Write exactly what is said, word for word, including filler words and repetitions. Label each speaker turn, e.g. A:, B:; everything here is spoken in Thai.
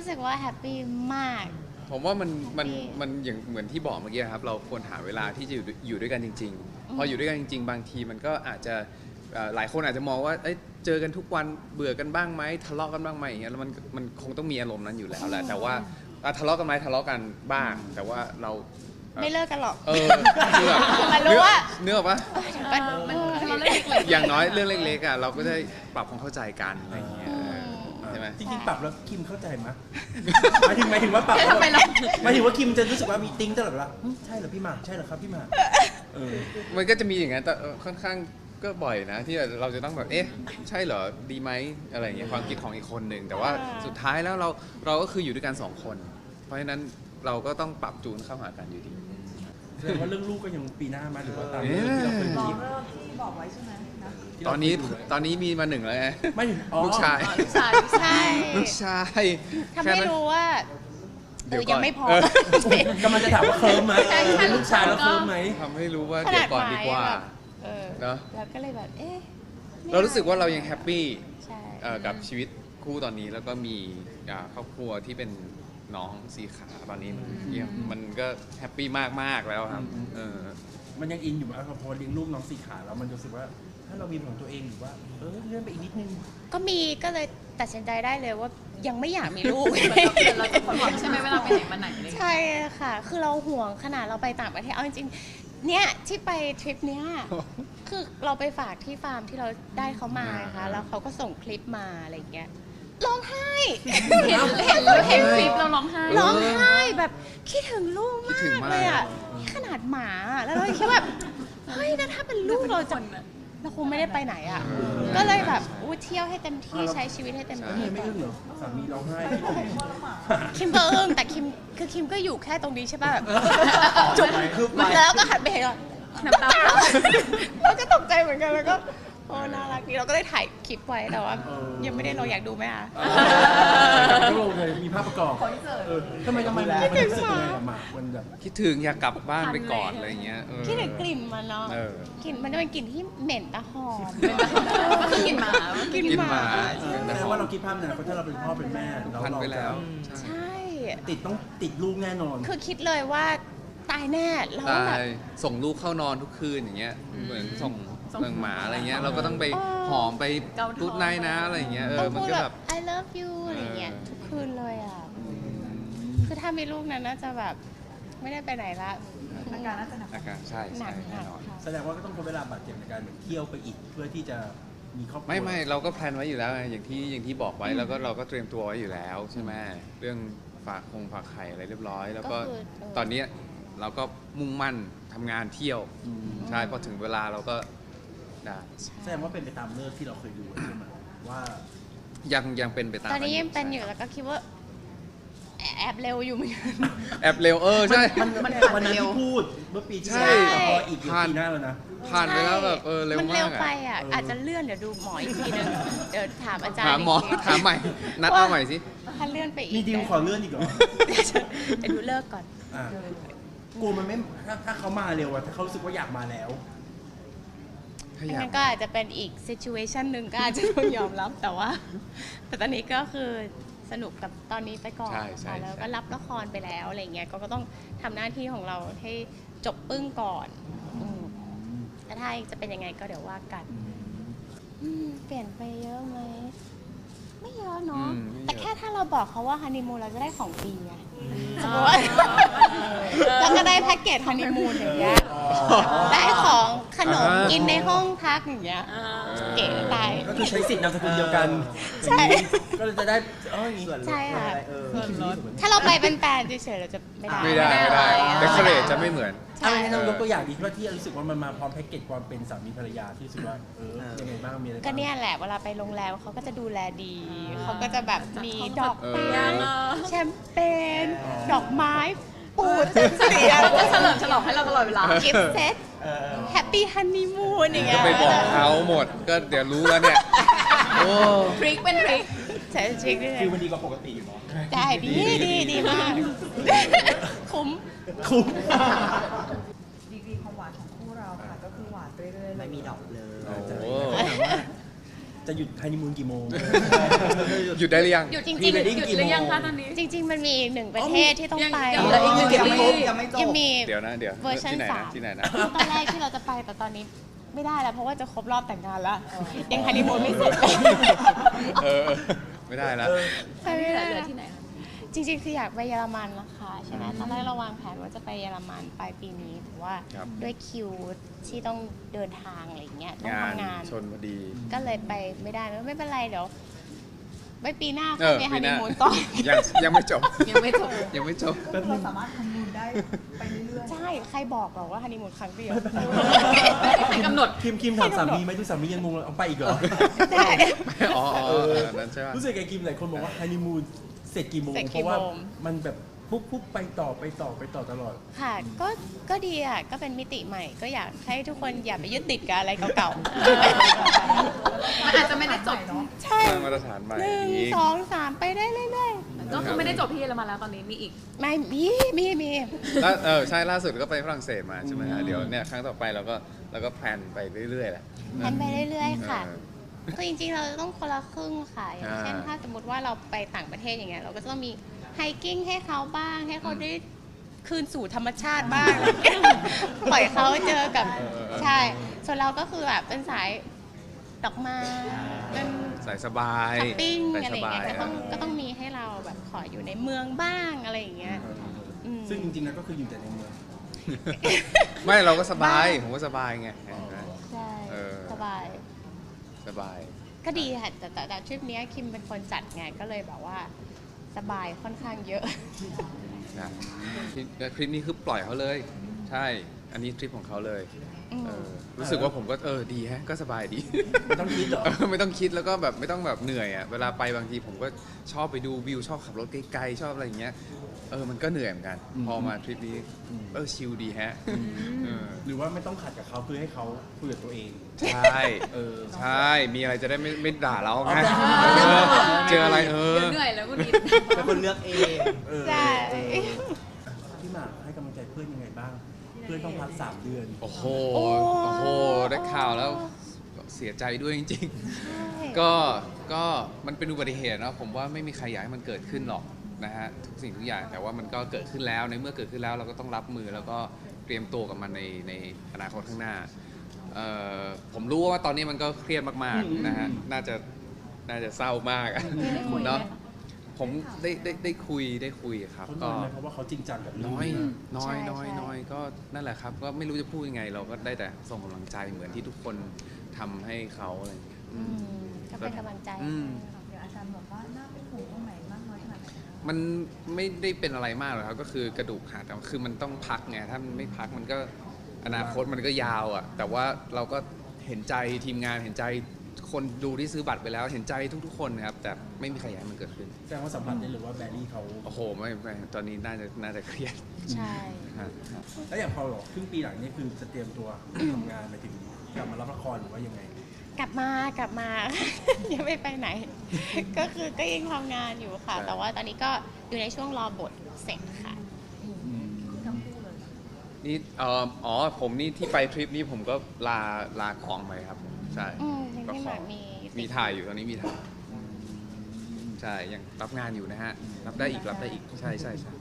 A: สึกว่าแฮปปี้มาก
B: ผมว่ามันมันมันอย่างเหมือนที่บอกเมื่อกี้ครับเราควรหาเวลาที่จะอยู่อยู่ด้วยกันจริงๆพออยู่ด้วยกันจริงๆบางทีมันก็อาจจะหลายคนอาจจะมองว่าเอ้ยเจอกันทุกวันเบื่อกันบ้างไหมทะเลาะกันบ้างไหมอย่างเงี้ยแล้วมันมันคงต้องมีอารมณ์นั้นอยู่แล้วแหละแต่ว่าทะเลาะกันไหมทะเลาะกันบ้าง แต่ว่าเรา
A: ไม่เลิกกันหรอก
B: เออคือแบบ
A: มันรู้ว่า
B: เนื้อปะ
A: มันเล็กๆ
B: อย่างน้อยเรื่องเล็กๆอ่ะเราก็ได้ปรับความเข้าใจกันอะไรอย่างเงี้ยใช่ไหม
C: จริงๆปรับแล้วคิมเข้าใจไหมหมายถึงหมายถึงว่าปรับหมายถึงว่าคิมจะรู้สึกว่ามีติ้งตลอดเวลาใช่เหรอพี่หมากใช่เหรอครับพี่หมาก
B: มันก็จะมีอย่างนั้นแต่ค่อนข้างก็บ่อยนะที่เราจะต้องแบบเอ๊ะใช่เหรอดีไหมอะไรอย่างเงี้ยความคิดของอีกคนหนึ่งแต่ว่าสุดท้ายแล้วเราเราก็คืออยู่ด้วยกันสองคนเพราะฉะนั้นเราก็ต้องปรับจูนเข้าหากันอยู่ดี
C: แสดงว่าเรื่องลูกก็ยังปีหน้ามาหรือว่าตามเรื่องที่เราเคยคิด
D: ที่บอกไว้ใช่ไหมนะ
B: ตอนนี้ตอนนี้มีมาหนึ่งแล้วไง
C: ไม่
B: ลูกชาย
A: ลูกชายใช่
B: ลูกชาย
A: ทำให้รู้ว่าเดี๋ยวยังไม่พ
C: อกำลังจะถามว่าเคิร์มไหมเป็นลูกชายแล้วเคิร์มไหม
B: ทำให้รู้ว่าเดี๋ยวก่อนดีกว่า
A: เนาะแล้วก็เลยแบบเอ๊ะ
B: เรารู้สึกว่าเรายังแฮปปี้กับชีวิตคู่ตอนนี้แล้วก็มีครอบครัวที่เป็นน้องสีขาตอนนี้มันมันก็แฮปปี้มากๆแล้วครับเออ
C: มันยังอินอยู่ไหมพอเลี้ยงลูกน้องสีขาแล้วมันรู้สึกว่าถ้าเรามีของตัวเองหรือว่าเออเลื่อนไปอีกนิดนึง
A: ก็มีก็เลยตัดสินใจได้เลยว่ายังไม่อยากมีลูก
D: เราจะผ่อนใช่ไหมเวลาไปไหนมาไหนเลย
A: ใช่ค่ะคือเราห่วงขนาดเราไปต่างประเทศเอาจริงๆเนี่ยที่ไปทริปเนี้ยคือเราไปฝากที่ฟาร์มที่เราได้เขามาค่ะแล้วเขาก็ส่งคลิปมาอะไรอย่างเงี้ยร้องไห้
D: เห็นเห็นเห็นคลิปเราร้องไห้
A: ร้องไห้แบบคิดถึงลูกมากเลยอ่ะขนาดหมาแล้วเราคิดแบบเฮ้ยถ้าเป็นลูกเราจะเราคงไม่ได้ไปไหนอ่ะก็เลยแบบอู้เที่ยวให้เต็มที่ใช้ชีวิตให้เต็มที่
C: ไม่อึ้งเหรอสามีร้องไห้
A: คิมก็อึ้งแต่คิมคือคิมก็อยู่แค่ตรงนี้ใช่ป่ะแบบจุ๊บแล้วก็หันไปเห็นน้ำตาเราก็ตกใจเหมือนกันแล้วก็โอ้น่ารักดีเราก็ได้ถ่ายคลิปไว้แต่ว่ายังไม่ได้เราอยากดูไหมคะ
C: ก็ลงเลยมีภาพประกอบทำไมทำไมมันรู้สึกยังไงอะหมากมันแบบ
B: คิดถึงอยากกลับบ้านไปก่อนอะไรเงี้ย
A: คิดถึงกลิ่นมันเนาะกลิ่นมันจะเป็นกลิ่นที่เหม็นตะหอม
D: กลิ่นหมาก
A: ลิ่นหมา
C: แต่ว่าเราคิดภาพนะเพราะถ้าเราเป็นพ่อเป็นแม่เรา
B: พันไปแล้ว
A: ใช่
C: ติดต้องติดลูกแน่นอน
A: คือคิดเลยว่าตายแน่แล้วแบบ
B: ส่งลูกเข้านอนทุกคืนอย่างเงี้ยเหมือนส่งเมืองหมาอะไรเงี้ยเราก็ต้องไปหอมไปตูดไนนะอะไรเงี้ยเออมันก็แบบ
A: I love you อะไรเงี้ยทุกคืนเลยอ่ะคือถ้ามีลูกนั้นน่าจะแบบไม่ได้ไปไหนละ
D: อาการน่าจะหนัก
B: อาการใช่ใช่แน่นอน
C: แสดงว่าก็ต้องใช้เวลาบาดเจ็บในการเที่ยวไปอีกเพื่อที่จะมีครอบครัว
B: ไม่ไม่เราก็แพลนไว้อยู่แล้วอย่างที่อย่างที่บอกไว้แล้วก็เราก็เตรียมตัวไว้อยู่แล้วใช่ไหมเรื่องฝากคงฝากไข่อะไรเรียบร้อยแล้วก็ตอนนี้เราก็มุ่งมั่นทำงานเที่ยวใช่พอถึงเวลาเราก็ได้
C: แสดงว่าเป็นไปตามเลิกที่เราเคยดูใช่ไหมว่า
B: ยังยังเป็นไปตาม
A: ตอนนี้ยังเป็นอยู่แล้วก็คิดว่าแอบเร็วอยู่เหมือนกัน
B: แอบเร็วเออใช่
C: มันมันวันนั้นที่พูดเมื่อปีที่แล้วพออีกปีหน้าแล้วนะ
B: ผ่านไปแล้วแบบเออเร็วมาก
A: มันเร็วไปอ่ะอาจจะเลื่อนเดี๋ยวดูหมออีกทีนึงเดี๋ยวถามอาจารย์
B: ถามหมอถามใหม่นัดเอาใหม่สิ
A: ถ้าเลื่อนไปอีก
C: มีดีลขอเลื่อนอีกเหรอ
A: เดี๋ยวดูเลิกก่อน
C: กลัวมันไม่ถ้าถ้าเขามาเร็วอะถ้าเขารู้สึกว่าอยากมาแล้ว
A: งั้นก็อาจจะเป็นอีก situation หนึ่งก็อาจจะต้องยอมรับแต่ว่าแต่ตอนนี้ก็คือสนุกกับตอนนี้ไปก่อนแล้วก็รับละครไปแล้วอะไรเงี้ยก็ต้องทำหน้าที่ของเราให้จบปึ้งก่อนแต่ถ้าจะเป็นยังไงก็เดี๋ยวว่ากันเปลี่ยนไปเยอะไหมไม่เยอะเนาะแต่แค่ถ้าเราบอกเขาว่าฮันนีมูนเราจะได้ของฟรีไงสมมติว่าแล้วก็ได้แพ็กเกจฮันนีมูนอย่างเงี้ยได้ของขนมกินในห้องพักอย่างเงี้ยเก๋ตาย
C: ก็คือใช้สิทธิ์นามสกุลเดียวกัน
A: ใช่
C: ก็จะได้เออ
A: ใช่ค่ะถ้าเราไปเป็นแฟนเฉยๆเราจะไม่ได้
B: ไม่ได้ไม่ได้เดคอเรทจะไม่เหมือน
C: อะไรนะยกตัวอย่างดีว่าที่รู้สึกว่ามันมาพร้อมแพ็กเกจความเป็นสามีภรรยาที่รู้สึกว่าเออยังไงบ้างมีอะไร
A: ก็เนี่ยแหละเวลาไปโรงแรมเขาก็จะดูแลดีเขาก็จะแบบมีดอกไม้แชมเปญดอกไม้ปูดเสีย
D: จะเฉลิมฉลองให้เราตลอดเวลา
A: กิฟต์เซตแฮปปี้ฮันนีมูนอย่างเงี้ย
B: ก็ไปบอกเขาหมดก็เดี๋ยวรู้แล้วเนี่ยโอ้
D: ทริคเป็นทริค
A: ใช่ทริคด้วย
C: คือมันดีกว่าปกติอยู่เนาะ
A: ได้ดีดีดีมากคุ้ม
C: คุ้ม
D: ดีกรีความหวานของคู่เราค่ะก็คือหวานเรื่อยๆ
C: ไม่มีดอกเลย
B: โอ้
C: จะหยุดฮันนีมูนกี่โมง
B: หยุดได้หรือยัง
A: อยู่จริง
C: พรี
A: ๆ
C: เวดดิ้ง
D: หยุด
C: กี่
D: ห
C: โม
D: รือยัง
C: ง
D: คะตอนนี้
A: จริง ๆ มันมีอีกหนึ่งประเทศที่ต้องไป
D: ยังเหลืออีกหนึ่ง
C: ยังไม่
D: ซี
C: ครบ
D: รีส์
C: ยังไม่จบ
A: ยังมี
B: เดี๋ยวนะเดี๋ยว
A: เวอร์ชัน
B: ที่ไหน
A: สา
B: นะ
A: ม
B: ที่ไหนนะ
A: ตอนแรกที่เราจะไปแต่ตอนนี้ไม่ได้แล้วเพราะว่าจะครบรอบแต่งงานแล้วยังฮันนีมูนไม่เสร็จ
B: เออไม่ได้แล้ว
A: ไปไม่ได้
D: เหลือ
A: แล้ว
D: ที่ไหนคะ
A: จริงๆคืออยากไปเยอรมันนะคะใช่ไหมตอนแรกเราวางแผนว่าจะไปเยอรมันปลายปีนี้แต่ว่า
B: ครับ
A: ด้วยคิวที่ต้องเดินทางอะไรอย่างเงี้ยต้อง
B: งาน
A: ทำงาน
B: ชนพอดี
A: ก็เลยไปไม่ได้ไม่เป็นไรเดี๋ยวไปปีหน้า
B: เอ
A: ค่อย
B: อ
A: ไปฮั
B: ปี
A: น
B: ห
A: นี
B: น้า
A: มูนต่อ
B: ยังยังไม่จบ
D: ยังไม่จบ
B: ยังไม่จบ
E: เราสามารถทำบุญได้ไปเรื่อย
A: ใช่ใครบอกหรอกว่าฮันนีมูนครั้งเดียว
D: ใครกำหนด
C: คิมคิมถามสามีไหมดูสามียังงงเลยเอาไปอีกเหรอ
A: ใช่
B: อ๋ออ๋อ
C: เออ
B: อันนั้นใช่ป่ะ
C: รู้สึกไงคิมหลายคนบอกว่าฮันนีมูนเสร็จกี่โมง
A: เสร็จ
C: เพ
A: กี่
C: ราะว่า
A: โมง
C: มันแบบปุ๊บปุ๊บไปต่อไปต่อไปต่อตลอด
A: ค่ะก็ก็ดีอ่ะก็เป็นมิติใหม่ ก็อยากให้ทุกคนอย่าไปยึดติดกับอะไรเก่า
D: มันอาจจะไม่ได้จบ
A: ๆใช่
B: สร้างมาตรฐานใหม่
A: หนึ่ง
B: อีก
A: สองสามไปได้เรื่อย
D: ก็คือไม่ได้จบที่เยอรมันแล้วตอนนี้มีอีก
A: ๆไม่มีมีมี
B: แล้วเออใช่ล่าสุดก็ไปฝรั่งเศสมาใช่ไหมฮะเดี๋ยวเนี่ยครั้งต่อไปเราก็เราก็แพลนไปเรื่อยๆแหละ
A: แพลนไปเรื่อยๆค่ะ
B: เออ
A: คือจริงๆ เราจะต้องคนละครึ่งค่ะ อย่างเช่น
B: อ่า
A: ถ้าสมมติว่าเราไปต่างประเทศอย่างเงี้ย เราก็จะต้องมีไฮกิ้งให้เขาบ้าง ให้เขาได้คืนสู่ธรรมชาติบ้าง ปล่อยเขาเจอกับ ใช่ ส่วนเราก็คือแบบเป็นสายดอกไม้เป็น
B: ใส่สบาย
A: ช้อปปิ้ง
B: ใส่
A: อะไร
B: ส
A: อย่าง
B: บา
A: เงี้
B: ย
A: ยก็ต้องก็ต้องมีให้เราแบบขออยู่ในเมืองบ้างอะไรอย่างเงี้ยอืม
C: ซึ่งจริงๆแล้วก็คืออยู่แต่ในเมือง
B: ไม่เราก็สบาย
A: บ้าง
B: ผมก็สบายไง
A: ใช่
B: เออ
A: สบาย
B: สบาย
A: ก็ดีค่ะแต่แต่แต่ทริปเนี้ยคิมเป็นคนจัดไงก็เลยแบบว่าสบายค่อนข้างเยอะ
B: นะคลิปคลิปนี้คือปล่อยเขาเลย ใช่ อันนี้ทริปของเขาเลย
A: อืม
B: เออรู้สึกว่าผมก็เออดีฮะก็สบายดี
C: ไม่ต้องคิดเหรอ
B: เออไม่ต้องคิดแล้วก็แบบไม่ต้องแบบเหนื่อยอ่ะเวลาไปบางทีผมก็ชอบไปดูวิวชอบขับรถไกลๆชอบอะไรอย่างเงี้ยเออมันก็เหนื่อยเหมือนกัน
C: อืม
B: พอมาทริปนี้เออชิลดีฮะเออ
C: หรือว่าไม่ต้องขัดกับเขาคือให้เขาคุยกับตัวเอง
B: ใช่
C: เออ
B: ใช่มีอะไรจะได้ไม่ไม่ด่าเราไง
C: อ๋อ
B: เออเจออะไรเออ
D: เดี๋ยวเหนื่อยแล้วคุณนิด
C: เป็นคนเลือกเองเออ
A: ใช่
C: พี่หมากให้กำลังใจเพื่อนยังไงบ้าง เพื่อนต้องพักสามเดือน
B: โอ้โห
A: โอ้
B: โอ้โหได้ข่าวแล้วเสียใจด้วยจริง ๆ ก็ ก็มันเป็นอุบัติเหตุเนอะผมว่าไม่มีใครอยากให้มันเกิดขึ้นหรอกนะฮะทุกสิ่งทุกอย่างแต่ว่ามันก็เกิดขึ้นแล้วในเมื่อเกิดขึ้นแล้วเราก็ต้องรับมือแล้วก็เตรียมตัวกับมันในในอนาคตข้างหน้าเอ่อผมรู้ว่าตอนนี้มันก็เครียดมากๆนะฮะน่าจะน่าจะเศร้ามากอะเนาะผมได้ได้ได้คุยได้คุยครับ
C: เขาน้
B: ก็
C: อยไหมเพราะว่าเขาจริงจังกับเรื่อง
B: น้อย
C: นี้มาก
B: น้อย
A: ใช่
B: น้อย
A: ใช่
B: น้อยก็นั่นแหละครับก็ไม่รู้จะพูดยังไง เราก็ได้แต่ส่งกำลังใจเหมือนที่ทุกคนทำให้เขาอะไรอย่างเงี้ย
A: อืมก็เป็นกำลังใจ
B: อืม
E: ๆเดี๋ยวอาจารย์บอกว่าน่าเป็นห่วงตรงไหนมากน้อยขนาดไหนคะ
B: มันไม่ได้เป็นอะไรมากหรอกครับก็คือกระดูกหักแต่ว่าคือมันต้องพักไงถ้ามันไม่พักมันก็อนาคตมันก็ยาวอ่ะแต่ว่าเราก็เห็นใจทีมงานเห็นใจคนดูที่ซื้อบัตรไปแล้วเห็นใจทุกๆคนนะครับแต่ไม่มีใครอยากให้มันเกิดขึ้น
C: แสดงว่าสัมผัสได้เลยว่าแบรี่เขา
B: โอ้โหไม่ไม่ตอนนี้น่าจะน่าจะเครียด
A: ใช่
B: ฮะ
C: แล้วอย่างพอบอกครึ่งปีหลังนี่คือจะเตรียมตัวทำงานไปถึงกลับมารับละครหรือว่ายังไง
A: กลับมากลับมา ยังไม่ไปไหน ก็คือก็ยังทำงานอยู่ค่ะ แต่ว่าตอนนี้ก็อยู่ในช่วงรอบทเสร็จค่ะ
E: ทั้งคู่เลย
B: นี่เอ่ออ๋อผมนี่ที่ไปทริปนี้ผมก็ลาลาของไปครับใช่
A: อืมยัง
B: ก็
A: ไม่
B: ข
A: แบ
B: อบ
A: มี
B: มีถ่ายอยู่ตอนนี้มีถ่ายใช่ยังรับงานอยู่นะฮะรับได้อีกรับได้อีกใช่ใช่ใช่